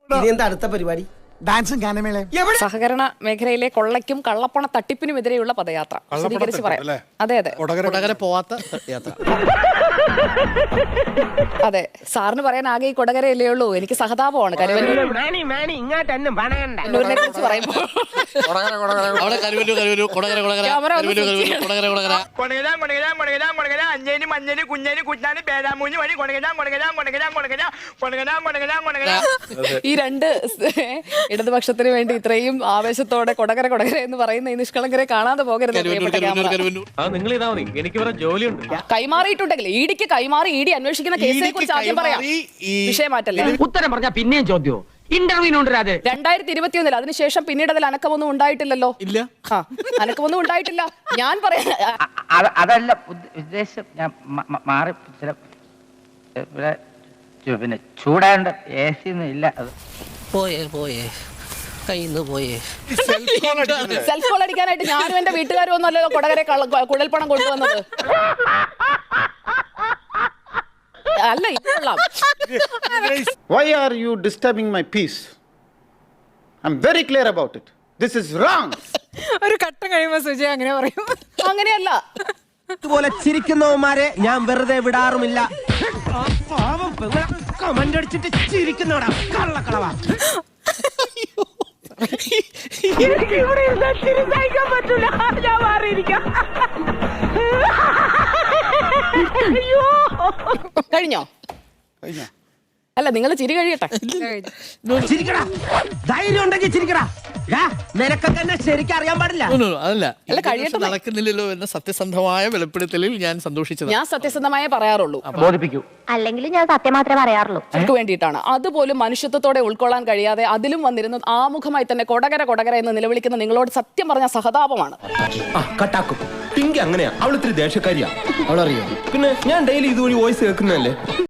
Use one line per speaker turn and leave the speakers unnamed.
ഇനി എന്താ അടുത്ത പരിപാടി?
ഡാൻസും ഗാനമേളയും.
സഹകരണ മേഖലയിലെ കൊള്ളയ്ക്കും കള്ളപ്പണ തട്ടിപ്പിനുമെതിരെയുള്ള പദയാത്ര വിശദീകരിച്ച് പറയാം. അതെ അതെ
കൊടകര പോവാത്ത യാത്ര.
അതെ, സാറിന് പറയാൻ ആകെ ഈ കൊടകരയല്ലേ ഉള്ളൂ. എനിക്ക് സഹതാപമാണ് കരുവന്നൂരിനെ കുറിച്ച് പറയുമ്പോൾ.
അവിടെ കരുവല്ലൂർ കൊടകര
ക്യാമറ ഒന്ന് switch ഈ രണ്ട് ഇടതുപക്ഷത്തിന് വേണ്ടി ഇത്രയും ആവേശത്തോടെ കൊടകര എന്ന് പറയുന്ന ഈ നിഷ്കളങ്കരെ കാണാതെ പോകരുത്. കൈമാറിയിട്ടുണ്ടെങ്കിൽ ഇഡിക്ക് കൈമാറി ഇഡി അന്വേഷിക്കുന്ന കേസിനെ കുറിച്ച് ആദ്യം പറയാം. വിഷയം മാറ്റല്ലേ.
ഉത്തരം പറഞ്ഞ പിന്നെയും ചോദ്യമോ? ഇന്റർവ്യൂവിനുണ്ട്
2021 അതിനുശേഷം പിന്നീട് അതിൽ അനക്കമൊന്നും ഉണ്ടായിട്ടില്ലല്ലോ.
ഇല്ല,
അനക്കമൊന്നും ഉണ്ടായിട്ടില്ല. ഞാൻ പറയാം
അതല്ല ഉദ്ദേശം. ഞാൻ മാറി ഇവിടെ പിന്നെ ചൂടാണ്ട് AC ഒന്നും ഇല്ല. അത്
പോയേ കയ്യിന്ന് പോയേ.
സെൽഫ് കോൾ അടിക്കാനായിട്ട് ഞാനും എന്റെ വീട്ടുകാരും ഒന്നല്ലോ കൊടകരെ കുഴൽപ്പണം കൊണ്ടുവന്നത്. അല്ല, ഇതെല്ലാം
Why are you disturbing my peace? I'm very clear about it. This is wrong.
ഒരു ഘട്ടം കഴിയുമ്പോ സുജയ അങ്ങനെ പറയും.
അങ്ങനെയല്ല.
ഇതുപോലെ ചിരിക്കുന്നവന്മാരെ ഞാൻ വെറുതെ വിടാറുമില്ല. കമന്റ് അടിച്ചിട്ട് ചിരിക്കുന്നവടാ കള്ളക്കളവാ.
എനിക്ക് ഇവിടെ ഇരുന്നാ ചിരി സഹിക്കാൻ പറ്റൂല. ഞാൻ മാറിയിരിക്കാം. അയ്യോ,
കഴിഞ്ഞോ? അല്ല, നിങ്ങൾ ചിരി കഴിയട്ടെ.
ചിരിക്കടാ, ധൈര്യം ഉണ്ടെങ്കിൽ ചിരിക്കടാ. നിനക്കൊക്കെ എന്നെ ശരിക്കും അറിയാൻ പാടില്ല.
അതല്ല,
അല്ല, കഴിയട്ടെ.
നടക്കുന്നില്ലല്ലോ എന്ന സത്യസന്ധമായ വെളിപ്പെടുത്തലിൽ ഞാൻ സന്തോഷിച്ചത്.
ഞാൻ സത്യസന്ധമായേ പറയാറുള്ളൂ.
ബോധിപ്പിക്കൂ.
അല്ലെങ്കിൽ ഞാൻ സത്യം മാത്രമേ പറയാറുള്ളൂ.
അവർക്ക് വേണ്ടിയിട്ടാണ്. അതുപോലും മനുഷ്യത്വത്തോടെ ഉൾക്കൊള്ളാൻ കഴിയാതെ അതിലും വന്നിരുന്നത് ആമുഖമായി തന്നെ കൊടകര എന്ന് നിലവിളിക്കുന്ന നിങ്ങളോട് സത്യം പറഞ്ഞ സഹതാപമാണ്.
കട്ടാക്കും. പിങ്കി അങ്ങനെയാ, അവൾ ഇത്തിരി ദേഷ്യക്കാരിയാ.
അവളറിയോ?
പിന്നെ ഞാൻ ഡെയിലി ഇതുവഴി വോയിസ് കേൾക്കുന്നതല്ലേ.